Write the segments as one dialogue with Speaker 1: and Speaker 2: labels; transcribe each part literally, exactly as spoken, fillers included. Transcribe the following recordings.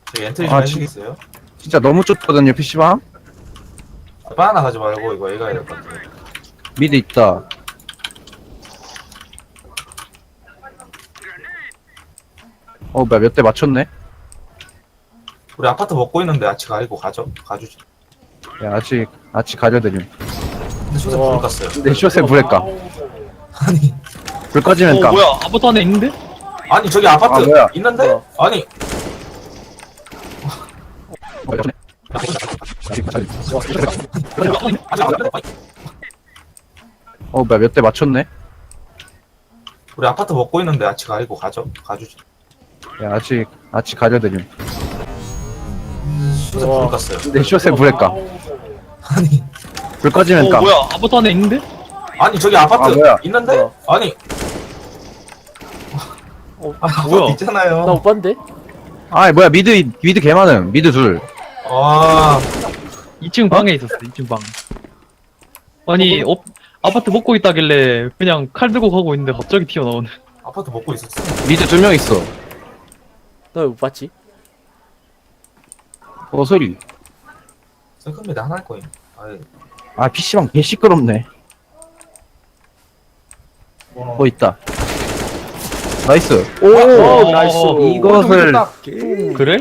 Speaker 1: 저기 엔트리 좀
Speaker 2: 아,
Speaker 1: 해주시겠어요?
Speaker 2: 진짜 너무 좁거든요, 피시방?
Speaker 1: 아, 바나나 가지 말고 이거 얘가 해야 될 것 같아요.
Speaker 2: 미드 있다. 어, 뭐야, 몇 대 맞췄네?
Speaker 1: 우리 아파트 먹고 있는데 아치 가리고 가죠? 가주죠.
Speaker 2: 야, 아직, 아직 가려드림.
Speaker 1: 근데 쇼세
Speaker 3: 우와.
Speaker 1: 불 껐어요.
Speaker 2: 근데 숏에 불에 까.
Speaker 1: 아니,
Speaker 2: 불 꺼지면
Speaker 4: 어
Speaker 2: 까.
Speaker 4: 뭐야 아무것도 안에 있는데?
Speaker 1: 아니 저기 아파트
Speaker 2: 아, 뭐야?
Speaker 1: 있는데?
Speaker 3: 뭐야?
Speaker 1: 아니,
Speaker 2: 어, 뭐야, 몇 대 맞췄네?
Speaker 1: 우리 아파트 먹고 있는데 아치 가리고 가죠? 가주죠.
Speaker 2: 야, 아직, 아직 가려드림.
Speaker 1: 쇼세 불
Speaker 3: 우와.
Speaker 1: 껐어요.
Speaker 2: 근데 숏에 불에 까.
Speaker 1: 아니,
Speaker 2: 불 꺼지면
Speaker 4: 어
Speaker 2: 까.
Speaker 4: 뭐야 아무것도 안에 있는데?
Speaker 1: 아니 저기 아파트
Speaker 2: 아, 뭐야?
Speaker 1: 있는데?
Speaker 3: 뭐야?
Speaker 1: 아니,
Speaker 3: 어,
Speaker 1: 아,
Speaker 4: 뭐야?
Speaker 1: 있잖아요.
Speaker 3: 나 못 봤는데?
Speaker 2: 아, 뭐야, 미드, 미드 개 많음. 미드 둘.
Speaker 1: 아,
Speaker 4: 이 층 방에 있었어 이 층 방. 아니 어, 아파트 먹고 있다길래 그냥 칼 들고 가고 있는데 갑자기 튀어나오네.
Speaker 1: 아파트 먹고 있었어.
Speaker 2: 미드 두 명 있어.
Speaker 3: 나 왜 못 봤지?
Speaker 2: 어, 소리.
Speaker 1: 세컨미드 하나일 거임. 아이,
Speaker 2: 아, 피시방 개 시끄럽네. 뭐 있다. 나이스.
Speaker 3: 오,
Speaker 4: 어,
Speaker 3: 나이스.
Speaker 2: 이것을
Speaker 4: 그래?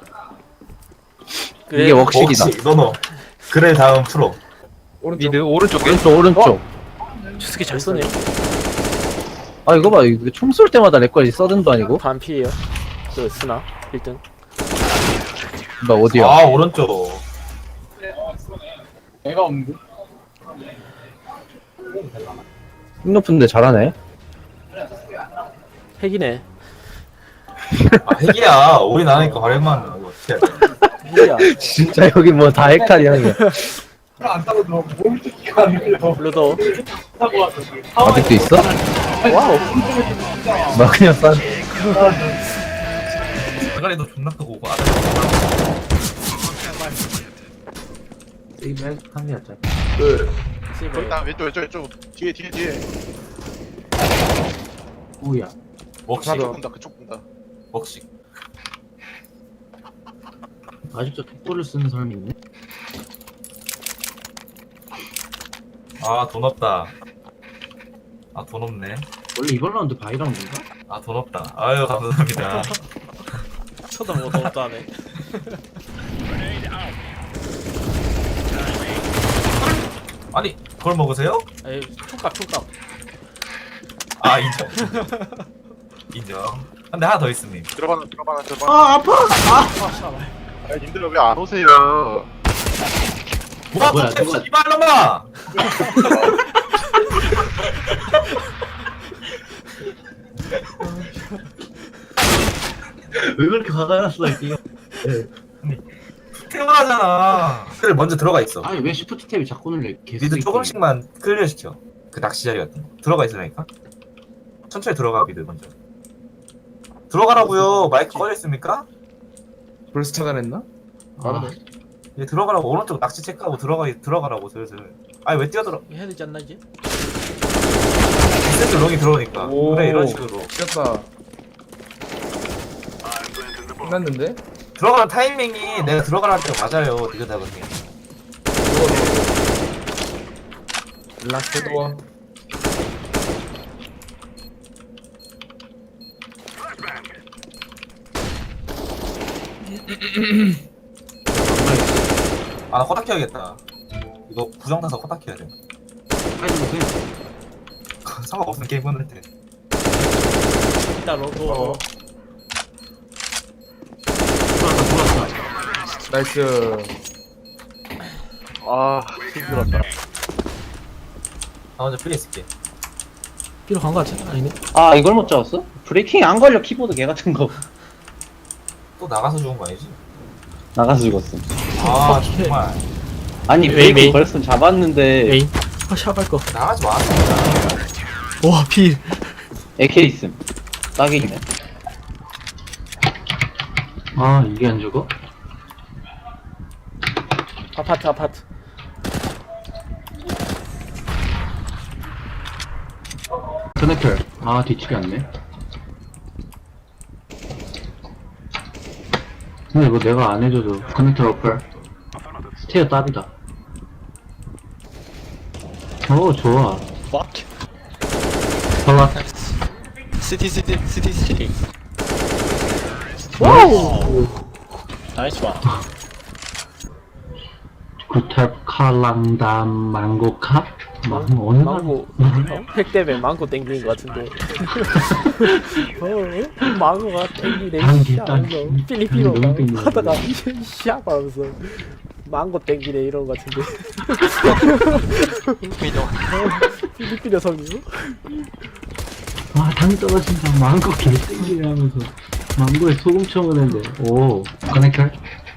Speaker 3: 그래.
Speaker 2: 이게 웍식이다.
Speaker 1: 혹시 너너 그래 다음 프로.
Speaker 4: 미드 오른쪽에?
Speaker 2: 왼쪽 오른쪽.
Speaker 3: 저 새끼 잘 쏘네.
Speaker 2: 아 이거 봐, 이거 총 쏠 때마다 렉걸리 서든도 아니고.
Speaker 3: 반피에요. 저 스나 일 등.
Speaker 2: 나 어디야?
Speaker 1: 아 오른쪽.
Speaker 2: 힘 높은데 잘하네.
Speaker 3: 핵이네.
Speaker 1: 아 핵이야. 오리 나니까 활약만 하는 거 어떻게 해야 돼?
Speaker 3: 핵이야.
Speaker 2: 진짜 여기 뭐 다 핵탈이야 이게.
Speaker 3: 블루도.
Speaker 2: 아직도 있어?
Speaker 3: 와우.
Speaker 2: 나 그냥 싼.
Speaker 1: 대가리도 존나 크고 오고 아래. 이맨 한이었죠.
Speaker 3: 씨발.
Speaker 5: 나 왼쪽 왼쪽 왼쪽 뒤에 뒤에 뒤에
Speaker 1: 오야. 먹식.
Speaker 5: 그쪽 본다 그쪽 본다
Speaker 1: 먹식.
Speaker 6: 아직도 톡볼을 쓰는 사람이 있네?
Speaker 1: 아 돈 없다. 아 돈 없네.
Speaker 6: 원래 이번 라운드 바이 라운드인가?
Speaker 1: 아 돈 없다. 아유 감사합니다.
Speaker 3: 쳐다보고 더욱도 하네.
Speaker 1: 아니 그걸 먹으세요?
Speaker 3: 에이, 총각, 총각.
Speaker 1: 아 인정. 인정. 근데 하나 더 있습니다.
Speaker 5: 들어봐라 들어봐라 들어봐
Speaker 6: 아 아파!
Speaker 3: 아, 샤발.
Speaker 5: 아 님들 왜 안 오세요
Speaker 1: 와
Speaker 6: 뭐야,
Speaker 1: 또
Speaker 6: 누가-
Speaker 1: 씨발놈아!
Speaker 6: 왜 그렇게 화가 났어 이게?
Speaker 1: 태어나잖아. 그래 먼저 들어가 있어.
Speaker 6: 아니 왜 시프트 탭이 자꾸 눌려? 계속
Speaker 1: 미드
Speaker 6: 이렇게.
Speaker 1: 조금씩만 클리어 시켜. 그 낚시 자리 같은 거. 들어가 있으라니까. 천천히 들어가 미드 먼저. 들어가라고요. 마이크 꺼져 있습니까?
Speaker 7: 벌써 차단했나?
Speaker 6: 아,
Speaker 1: 얘 들어가라고 오른쪽 낚시 체크하고 들어가 들어가라고 슬슬. 아니 왜 뛰어들어?
Speaker 3: 해야 되지 않나, 이제?
Speaker 1: 슬슬 롱이 들어오니까.
Speaker 7: 오.
Speaker 1: 그래 이런 식으로.
Speaker 7: 꼈다. 끝났는데?
Speaker 1: 들어가는 타이밍이 내가 들어가라는 때 맞아요. 이거 다 보니.
Speaker 7: 라스트 도어.
Speaker 1: 아나 코닥 해야겠다. 이거 부정 타서 코닥 해야 돼.
Speaker 6: 빨리 좀 해.
Speaker 1: 상관없는 게임 끝날 때.
Speaker 3: 일단 로고.
Speaker 7: 어.
Speaker 6: 들어왔다 들어왔다.
Speaker 7: 나이스.
Speaker 5: 아 힘들었다
Speaker 1: 나 먼저 프리 있을게.
Speaker 6: 필요 간거 같지? 아니네.
Speaker 2: 아 이걸 못 잡았어? 브레이킹 안 걸려 키보드 개 같은 거.
Speaker 1: 또 나가서 죽은 거 아니지?
Speaker 2: 나가서 죽었음.
Speaker 1: 아 정말.
Speaker 2: 아니
Speaker 3: 메인,
Speaker 2: 브레이킹
Speaker 3: 메인.
Speaker 2: 걸렸으면 잡았는데
Speaker 3: 에이. 아, 샤발 거.
Speaker 1: 나가지 마.
Speaker 3: 와, 필.
Speaker 2: 에케 있음. 딱이네.
Speaker 6: 아 이게 안 죽어?
Speaker 3: 아파트, 아파트.
Speaker 6: 커넥터. 아 뒤치기 않네. 근데 이거 내가 안 해줘도 커넥터 어플 스테어 답이다. 오 좋아.
Speaker 8: What?
Speaker 6: 설라.
Speaker 8: City, city, city, city.
Speaker 3: 와우!
Speaker 8: Nice one.
Speaker 6: 구탭 칼랑담 망고카? 망고 어느 말?
Speaker 3: 망고 어? 핵 때문에 망고 땡기는 것 같은데 어? 망고가 땡기네
Speaker 6: 단기,
Speaker 3: 샤
Speaker 6: 단기.
Speaker 3: 하면서 필리핀어
Speaker 6: 너무 땡기네.
Speaker 3: 하다가 샤 하면서 망고 땡기네 이런 것 같은데 필리핀어 성이요?
Speaker 6: 와 당이 떨어진다. 망고 개땡기네 하면서 망고에 소금 쳐먹는데 오 커넥터